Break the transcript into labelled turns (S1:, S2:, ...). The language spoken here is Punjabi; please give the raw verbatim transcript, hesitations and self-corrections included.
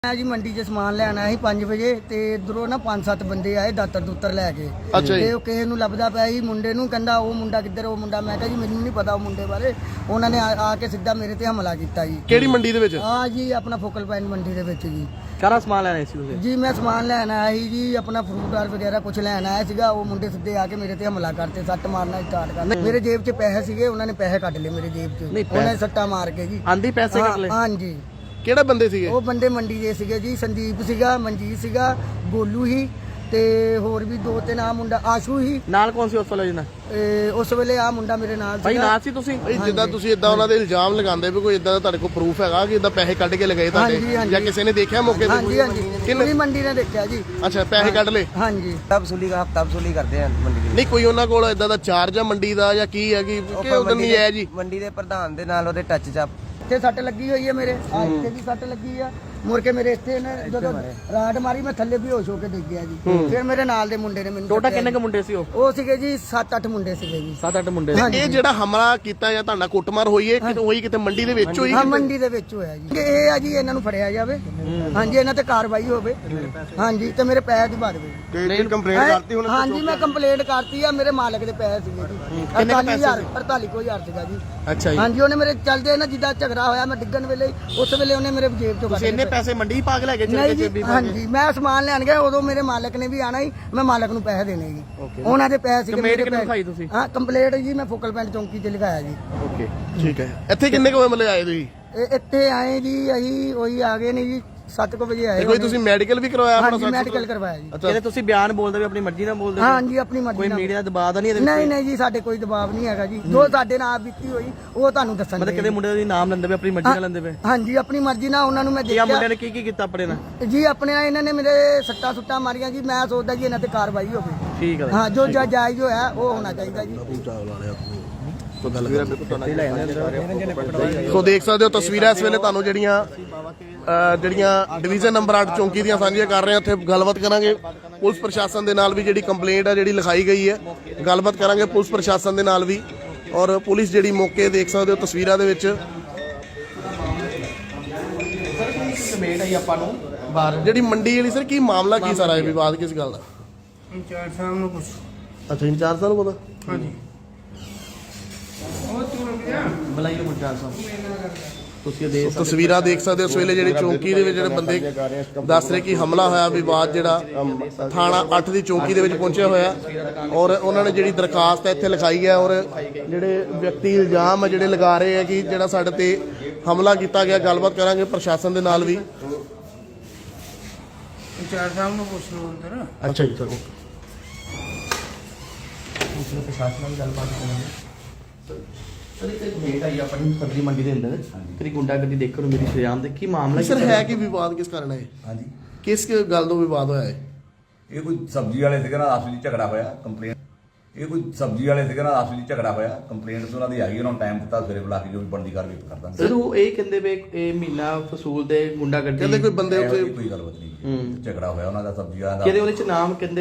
S1: मैं जी मंडी च समान लैन आया पांच बजे ते इधरों ना पांच सत्त बंदे आए दातर दूतर लैके
S2: अच्छा जी
S1: किसी नूं लभदा पिया जी मुंडे नूं कहंदा वो मुंडा किधर वो मुंडा मैं कहा जी मैनूं नहीं पता वो मुंडे बारे उन्होंने आके सीधा मेरे ते हमला किया जी
S2: ਕਿਹੜੀ ਮੰਡੀ ਦੇ ਵਿੱਚ
S1: हाँ जी अपना फोकल पॉइंट मंडी दे विच जी
S3: सारा समान लैना सी तुसीं
S1: जी मैं समान लैन आया ही जी अपना फ्रूट आर वगैरह कुछ लैन आया सीगा वो मुंडे सीधे आके मेरे ते हमला करते सट्ट मारना स्टार्ट कर मेरे जेब च पैसे सीगे उन्होंने पैसे कट ले मेरे जेब च उन्होंने सट्टा मार के जी
S3: आंधी पैसे कट ले
S1: हाँ जी
S2: ਕਿਹੜੇ ਬੰਦੇ ਸੀਗੇ
S1: ਉਹ ਬੰਦੇ ਮੰਡੀ ਦੇ ਸੀਗੇ ਜੀ ਸੰਦੀਪ ਸੀਗਾ ਮਨਜੀਤ ਸੀਗਾ ਗੋਲੂ ਹੀ ਤੇ ਹੋਰ ਵੀ ਦੋ ਤਿੰਨ ਆ ਮੁੰਡਾ ਆਸ਼ੂ ਹੀ
S3: ਨਾਲ ਕੌਣ ਸੀ ਉਸ ਵੇਲੇ ਜਨਾ
S1: ਉਸ ਵੇਲੇ ਆ ਮੁੰਡਾ ਮੇਰੇ ਨਾਲ
S3: ਭਾਈ
S1: ਸੀਗਾ
S3: ਨਾਲ ਸੀ ਤੁਸੀਂ
S2: ਭਾਈ ਜਿੱਦਾਂ ਤੁਸੀਂ ਇਦਾਂ ਉਹਨਾਂ ਦੇ ਇਲਜ਼ਾਮ ਲਗਾਉਂਦੇ ਵੀ ਕੋਈ ਇਦਾਂ ਦਾ ਤੁਹਾਡੇ ਕੋਲ ਪ੍ਰੂਫ ਹੈਗਾ ਕਿ ਇਦਾਂ ਪੈਸੇ ਕੱਢ ਕੇ ਲਗਾਏ ਤੁਹਾਡੇ ਜਾਂ ਕਿਸੇ ਨੇ ਦੇਖਿਆ ਮੌਕੇ ਤੇ
S1: ਹਾਂਜੀ ਹਾਂਜੀ ਪੂਰੀ ਮੰਡੀ ਨੇ ਦੇਖਿਆ ਜੀ
S2: ਅੱਛਾ ਪੈਸੇ ਕੱਢ ਲਏ
S1: ਹਾਂਜੀ
S4: ਤਬ ਵਸੂਲੀ ਦਾ ਹਫਤਾ ਵਸੂਲੀ ਕਰਦੇ ਆ ਮੰਡੀ ਦੀ
S2: ਨਹੀਂ ਕੋਈ ਉਹਨਾਂ ਕੋਲ ਇਦਾਂ ਦਾ ਚਾਰਜ ਆ ਮੰਡੀ ਦਾ ਜਾਂ ਕੀ ਹੈ ਕਿ ਕਿ ਉਦੋਂ ਨਹੀਂ ਆਇਆ ਜੀ
S4: ਮੰਡੀ ਦੇ ਪ੍ਰਧਾਨ ਦੇ ਨਾਲ ਉਹਦੇ ਟੱਚ ਚ
S1: ਇੱਥੇ ਸੱਟ ਲੱਗੀ ਹੋਈ ਹੈ ਮੇਰੇ ਆ ਇੱਥੇ ਵੀ ਸੱਟ ਲੱਗੀ ਆ ਮੁੜ ਕੇ ਮੇਰੇ ਇੱਥੇ ਨੇ ਜਦੋਂ ਰਾਡ ਮਾਰੀ ਮੈਂ ਥੱਲੇ ਬੇਹੋਸ਼ ਹੋ ਕੇ ਡਿੱਗ ਗਿਆ ਜੀ ਫਿਰ ਮੇਰੇ ਨਾਲ ਦੇ ਮੁੰਡੇ ਨੇ ਮੈਨੂੰ
S3: ਟੋਟਾ ਕਿੰਨੇ ਕ ਮੁੰਡੇ ਸੀ ਉਹ
S1: ਉਹ ਸੀਗੇ ਜੀ ਸੱਤ ਅੱਠ ਮੁੰਡੇ ਸੀਗੇ ਜੀ
S3: ਸੱਤ ਅੱਠ ਮੁੰਡੇ
S2: ਇਹ ਜਿਹੜਾ ਹਮਲਾ ਕੀਤਾ ਜਾਂ ਤੁਹਾਡਾ ਕੁੱਟਮਾਰ ਹੋਈ ਹੈ ਕਿਤੇ ਹੋਈ ਕਿਤੇ ਮੰਡੀ ਦੇ ਵਿੱਚ ਹੋਈ
S1: ਹਾਂ ਮੰਡੀ ਦੇ ਵਿੱਚ ਹੋਇਆ ਜੀ ਇਹ ਆ ਜੀ ਇਹਨਾਂ ਨੂੰ ਫੜਿਆ ਜਾਵੇ ਹਾਂਜੀ ਇਹਨਾਂ ਤੇ ਕਾਰਵਾਈ ਹੋਵੇ ਹਾਂਜੀ ਤੇ ਮੇਰੇ ਪੈਸੇ ਦਿਵਾ ਦੇਵੇ
S2: ਕਿਹੜੀ ਕੰਪਲੇਂਟ ਕਰਤੀ ਹੁਣ
S1: ਹਾਂਜੀ ਮੈਂ ਕੰਪਲੇਂਟ ਕਰਤੀ ਆ ਮੇਰੇ ਮਾਲਕ ਦੇ ਪੈਸੇ ਸੀਗੇ ਜੀ ਅੜਤਾਲੀ ਹਜ਼ਾਰ ਅੜਤਾਲੀ ਕੁ ਹਜ਼ਾਰ ਸੀਗਾ ਜੀ
S2: ਅੱਛਾ ਜੀ
S1: ਹਾਂਜੀ ਉਹਨੇ ਮੇਰੇ ਚੱਲਦੇ ਨਾ ਜਿੱਦਾਂ ਝਗੜਾ ਹੋਇਆ ਮੈਂ ਡਿੱਗਣ ਵੇਲੇ ਉਸ ਵੇਲੇ ਉਹਨੇ ਮੇਰੇ ਜੇਬ ਚੋਂ ਕੱਢ
S3: ਇੰਨੇ ਪੈਸੇ ਮੰਡੀ ਪਾ ਕੇ ਲੈ ਕੇ
S1: ਨਹੀਂ ਜੀ ਹਾਂਜੀ ਮੈਂ ਸਮਾਨ ਲੈਣ ਗਿਆ ਉਦੋਂ ਮੇਰੇ ਮਾਲਕ ਨੇ ਵੀ ਆਣਾ ਹੀ ਮੈਂ ਮਾਲਕ ਨੂੰ ਪੈਸੇ ਦੇਣੇ ਜੀ ਉਹਨਾਂ ਦੇ ਪੈਸੇ ਸੀਗੇ
S3: ਕੰਪਲੇਂਟ ਕਿਹਨੂੰ ਲਿਖਾਈ ਤੁਸੀਂ
S1: ਹਾਂ ਕੰਪਲੇਂਟ ਜੀ ਮੈਂ ਫੋਕਲ ਪੁਆਇੰਟ ਚੌਂਕੀ ਤੇ ਲਿਖਾਇਆ ਜੀ
S2: ਓਕੇ ਠੀਕ ਹੈ ਇੱਥੇ ਕਿੰਨੇ ਕੁ ਮਤਲਬ ਆਏ ਤੁਸੀਂ
S1: ਇਹ ਇੱਥੇ ਆਏ ਜੀ ਅਸੀਂ ਉਹੀ ਆ ਗਏ ਨੇ ਜੀ ਸੱਤ ਕੁ ਵਜੇ ਆਏ
S2: ਕੋਈ ਤੁਸੀਂ ਮੈਡੀਕਲ ਵੀ ਕਰਵਾਇਆ ਆਪਣਾ
S1: ਹਾਂਜੀ ਮੈਡੀਕਲ ਕਰਵਾਇਆ ਜੀ
S3: ਇਹਦੇ ਤੁਸੀਂ ਬਿਆਨ ਬੋਲਦੇ ਵੀ ਆਪਣੀ ਮਰਜ਼ੀ ਨਾਲ ਬੋਲਦੇ
S1: ਹਾਂਜੀ ਆਪਣੀ ਮਰਜ਼ੀ
S3: ਕੋਈ
S1: ਨਾਲ
S3: ਮੀਡੀਆ ਦਾ ਦਬਾਅ ਤਾਂ ਨਹੀਂ ਇਹਦੇ
S1: ਨਹੀਂ ਨਹੀਂ ਜੀ ਸਾਡੇ ਕੋਈ ਦਬਾਅ ਨਹੀਂ ਹੈਗਾ ਜੀ ਜੋ ਸਾਡੇ ਨਾਲ ਬੀਤੀ ਹੋਈ ਉਹ ਤੁਹਾਨੂੰ ਦੱਸਣ
S3: ਮਤਲਬ ਕਿਹਦੇ ਮੁੰਡੇ ਦਾ ਨਾਮ ਲੈਂਦੇ ਪਏ ਆਪਣੀ ਮਰਜ਼ੀ ਨਾਲ ਲੈਂਦੇ ਪਏ
S1: ਹਾਂਜੀ ਆਪਣੀ ਮਰਜ਼ੀ ਨਾਲ ਉਹਨਾਂ ਨੂੰ ਮੈਂ
S3: ਇਹ
S1: ਦੇਖਿਆ
S3: ਮੁੰਡਿਆਂ ਨੇ ਕੀ ਕੀ ਕੀਤਾ ਆਪਣੇ ਨਾਲ
S1: ਜੀ ਆਪਣੇ ਨਾਲ ਇਹਨਾਂ ਨੇ ਮੇਰੇ ਸੱਟਾਂ ਸੁੱਟਾਂ ਮਾਰੀਆਂ ਜੀ ਮੈਂ ਸੋਚਦਾ ਜੀ ਇਹਨਾਂ ਤੇ ਕਾਰਵਾਈ ਹੋਵੇ
S3: ਠੀਕ ਹੈ
S1: ਹਾਂ ਜੋ ਜਾਇਜ਼ ਹੋਇਆ ਉਹ ਹੋਣਾ ਚਾਹੀਦਾ ਜੀ
S2: ਸੋ ਦੇਖ ਸਕਦੇ ਹੋ ਤਸਵੀਰਾਂ ਇਸ ਵੇਲੇ ਤੁਹਾਨੂੰ ਜਿਹੜੀਆਂ ਜਿਹੜੀਆਂ ਡਿਵੀਜ਼ਨ ਨੰਬਰ ਅੱਠ ਚੌਂਕੀ ਦੀਆਂ ਸਾਂਝੀਆਂ ਕਰ ਰਹੇ ਹਾਂ। ਉੱਥੇ ਗੱਲਬਾਤ ਕਰਾਂਗੇ ਪੁਲਿਸ ਪ੍ਰਸ਼ਾਸਨ ਦੇ ਨਾਲ ਵੀ ਜਿਹੜੀ ਕੰਪਲੇਂਟ ਆ ਜਿਹੜੀ ਲਿਖਾਈ ਗਈ ਹੈ ਗੱਲਬਾਤ ਕਰਾਂਗੇ ਪੁਲਿਸ ਪ੍ਰਸ਼ਾਸਨ ਦੇ ਨਾਲ ਵੀ ਔਰ ਪੁਲਿਸ ਜਿਹੜੀ ਮੌਕੇ ਦੇਖ ਸਕਦੇ ਹੋ ਤਸਵੀਰਾਂ ਦੇ ਵਿੱਚ
S3: ਕਮੇਟ ਆਈ ਆਪਾਂ ਨੂੰ ਬਾਹਰ
S2: ਜਿਹੜੀ ਮੰਡੀ ਵਾਲੀ ਸਰ ਕੀ ਮਾਮਲਾ ਕੀ ਸਾਰਾ ਇਹ ਵਿਵਾਦ ਕਿਸ ਗੱਲ ਦਾ
S5: ਇੰਚਾਰਜ ਸਾਹਿਬ ਨੂੰ ਪੁੱਛ
S2: ਅੱਛਾ ਇੰਚਾਰਜ ਸਾਹਿਬ ਨੂੰ ਪਤਾ
S5: ਹਾਂਜੀ ਉਹ ਤੂੰ ਰੁਕ ਜਾ
S3: ਬੁਲਾਈਏ ਮੁੰਡਾ ਸਾਹਿਬ ਤੁਸੀਂ ਦੇ
S2: ਤਸਵੀਰਾਂ ਦੇਖ ਸਕਦੇ ਹੋ ਇਸ ਵੇਲੇ ਜਿਹੜੀ ਚੌਂਕੀ ਦੇ ਵਿੱਚ ਜਿਹੜੇ ਬੰਦੇ ਦੱਸ ਰਹੇ ਕਿ ਹਮਲਾ ਹੋਇਆ ਵਿਵਾਦ ਜਿਹੜਾ ਥਾਣਾ ਅੱਠ ਦੀ ਚੌਂਕੀ ਦੇ ਵਿੱਚ ਪਹੁੰਚਿਆ ਹੋਇਆ ਔਰ ਉਹਨਾਂ ਨੇ ਜਿਹੜੀ ਦਰਖਾਸਤ ਹੈ ਇੱਥੇ ਲਿਖਾਈ ਹੈ ਔਰ ਜਿਹੜੇ ਵਿਅਕਤੀ ਇਲਜ਼ਾਮ ਹੈ ਜਿਹੜੇ ਲਗਾ ਰਹੇ ਆ ਕਿ ਜਿਹੜਾ ਸਾਡੇ ਤੇ ਹਮਲਾ ਕੀਤਾ ਗਿਆ ਗੱਲਬਾਤ ਕਰਾਂਗੇ ਪ੍ਰਸ਼ਾਸਨ ਦੇ ਨਾਲ ਵੀ
S5: ਇੰਚਾਰਜ ਸਾਹਿਬ ਨੂੰ ਪੁੱਛ ਲਓ ਅੰਦਰ
S2: ਅੱਛਾ ਜੀ ਚਲੋ
S3: ਪ੍ਰਸ਼ਾਸਨ ਨਾਲ ਗੱਲਬਾਤ ਕਰਾਂਗੇ ਸਰ ਇੱਕ ਕਮੇਟ ਆਈ ਆਪਣੀ ਸਬਜ਼ੀ ਮੰਡੀ ਦੇ ਅੰਦਰ ਤੇਰੀ ਗੁੰਡਾਗਰਦੀ ਦੇਖਣ ਨੂੰ ਮੇਰੀ ਸ਼ਰਿਆਮ ਦੇ ਕੀ ਮਾਮਲਾ
S2: ਸਰ ਹੈ ਕਿ ਵਿਵਾਦ ਕਿਸ ਕਾਰਨ ਹੈ
S6: ਹਾਂਜੀ
S2: ਕਿਸ ਗੱਲ ਤੋਂ ਵਿਵਾਦ ਹੋਇਆ ਹੈ
S6: ਇਹ ਕੋਈ ਸਬਜ਼ੀ ਵਾਲੇ ਸੀਗੇ ਨਾਲ ਆਪਸ ਵਿੱਚ ਝਗੜਾ ਹੋਇਆ ਕੰਪਲੇਂਟ ਇਹ ਕੋਈ ਸਬਜ਼ੀ ਵਾਲੇ ਸੀਗੇ ਨਾਲ ਆਪਸ ਵਿੱਚ ਝਗੜਾ ਹੋਇਆ ਕੰਪਲੇਂਟ ਉਹਨਾਂ ਦੀ ਆਈ ਉਹਨਾਂ ਨੂੰ ਟਾਈਮ ਦਿੱਤਾ ਸਵੇਰੇ ਬੁਲਾ ਕੇ ਜੋ ਵੀ ਬਣਦੀ ਕਾਰਵਾਈ ਕਰ ਦਾਂਗੇ
S3: ਸਰ ਉਹ ਇਹ ਕਹਿੰਦੇ ਵੇ ਇਹ ਮਹੀਨਾ ਫਸੂਲ ਦੇ ਗੁੰਡਾਗਰਦੀ
S2: ਕਹਿੰਦੇ ਕੋਈ ਬੰਦੇ ਉੱਥੇ
S6: ਕੋਈ ਗੱਲਬਾਤ ਨਹੀਂ ਝਗੜਾ ਹੋਇਆ ਉਹਨਾਂ ਦਾ ਸਬਜ਼ੀ ਵਾਲਾ ਦਾ
S3: ਕਿਹਦੇ ਉਹਦੇ ਚ ਨਾਮ ਕਹਿੰਦੇ